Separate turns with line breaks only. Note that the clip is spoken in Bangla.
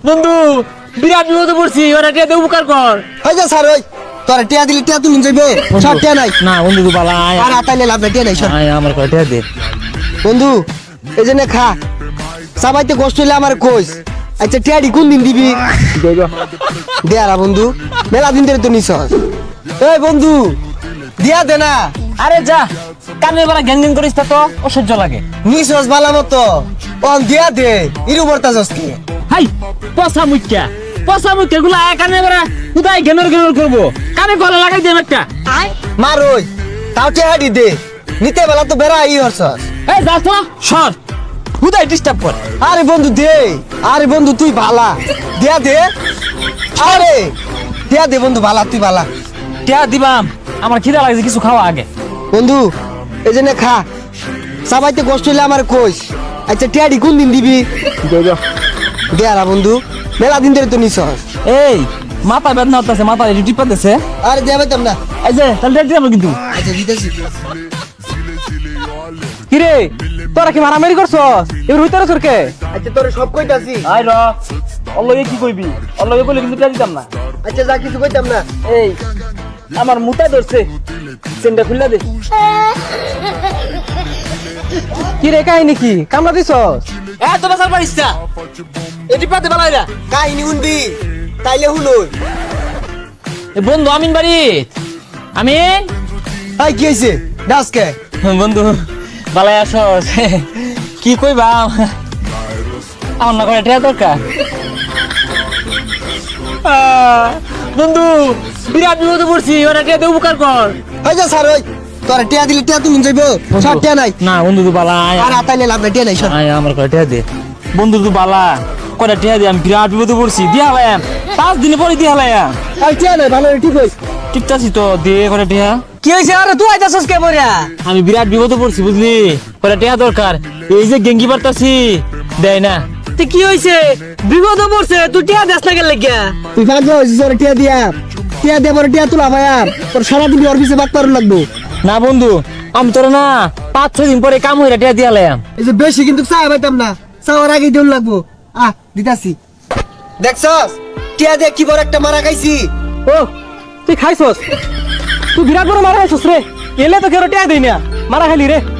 বন্ধু বিরাট বিপদে পড়ছি, ওরা টিয়া দে উপকার কর।
হই যা স্যার, ওই তোরা টিয়া দিলি টিয়া তুলুন যাইবো, সব টিয়া নাই।
না বন্ধু তুই বালা আয়
আর আতাইলে লাভ নাই, টিয়া নাই সব।
আয় আমার কয় টিয়া দে।
বন্ধু এই জন্য খা, সবাইতে কষ্ট হইলে আমার কইস। আচ্ছা টিয়াডি কোন দিন দিবি? দেয়ারা বন্ধু, মেলা দিন ধরে তো নিছস। এই বন্ধু দিয়া দে না।
আরে যা, কানের বেলা গ্যাং গ্যাং করিস তা তো অসহ্য লাগে।
নিছস বালা মতো, অন দিয়া দে। ইরু বর্তাছস কি?
হাই পচা মুখ্যা গুলা কানের বেলা কোথায় ঘেনর ঘেনর করবো, কানে গলা লাগাই দেব একটা।
মার ওই, তাও টিয়াডি দে। নিতে বেলা তো বেড়া ই হরছস।
এই যা তো সর, কোথায় ডিস্টার্ব কর।
আরে বন্ধু দে, আরে বন্ধু তুই ভালা, দিয়া দে। আরে দিয়া দে বন্ধু, ভালা তুই ভালা।
টিয়া দিবাম, আমার খিদা লাগছে, কিছু খাওয়া আগে।
বন্ধু এই জন্য খা, সবাইতে কষ্ট হইলে আমার কইস। আচ্ছা টিয়াডি কোন দিন দিবি? দেয়ারা বন্ধু, মেলা দিন ধরে তো নিছস।
এই মাথা বেদনা হতেছে, মাথা টিপা দিছে।
আরে দেয়া পাইতাম না।
এই যে তাহলে রেড দিলাম কিন্তু।
আচ্ছা দিতেছি।
কিরে তোরা কি মারামারি করছস? এবার হইতারে সরকে।
আচ্ছা তোরে সব কইতাছি।
আই র অল্লগে কি কইবি, অল্লগে কইলে কিন্তু টিয়া দিতাম না।
আচ্ছা যা কিছু কইতাম না।
এই আমার মুতা ধরছে, চেনটা খুললা দে।
কি রে কাহিনী কি কামলা দিছস?
এত বাসার পারিস না, এটি পাতে বালাইরা।
কাহিনী শুনবি তাইলে শুনই।
বন্ধু আমিন বাড়িত। আমিন
আই কি হইছে? ডাসকে
বন্ধু বালাই আসস, কি কইবা আমার না করে টিয়া দরকার। বন্ধু বিরাট বিপদে পড়ছি, ওরা টিয়া দে উপকার কর।
হই যা স্যার, ওই তোরা টিয়া দিলি টিয়া তুলুন যাইবো, সব টিয়া নাই।
না বন্ধু তুই বালা আয়
আর আতাইলে লাভ নাই, টিয়া নাই সব।
আয় আমার করে টিয়া দে। বন্ধু তুই বালা কয়টা টিয়া দে, আমি বিরাট বিপদে পড়ছি, দিয়া হলাম 5 দিন পরে দিয়া হলাম।
আর টিয়া নাই, ভালো ঠিক হইছে।
ঠিক আছে তো দে করে টিয়া।
কি হইছে? আরে তুই আইতাছস কে মরিয়া?
আমি বিরাট বিপদে পড়ছি বুঝলি, করে টিয়া দরকার। এই যে গেঙ্গি পারতাছি দেয় না।
তুই কি হইছে? বিপদ পড়ছে, তুই টিয়া দেস না গেল লাগিয়া?
তুই ভাগ হইছিস ওরে টিয়া দিয়া। টিয়া দে পরে টিয়া তুলা ভাইয়া, তোর সারা দিন ওর পিছে বাক পারুন লাগবো।
না বন্ধু আমি তোর না 5-6 দিন পরে কাম হইরা টিয়া দিয়া হলাম।
এই যে বেশি কিন্তু চা পাইতাম না, চাওয়ার আগে দিন লাগবো। দিতাছি। দেখছস টিয়া দিয়ে কি বড় একটা মারা খাইছি।
ও তুই খাইছস? তুই বিরাট বড় মারা খাইছস রে। এলে তো কেউ টিয়া দেই না, মারা খাইলি রে।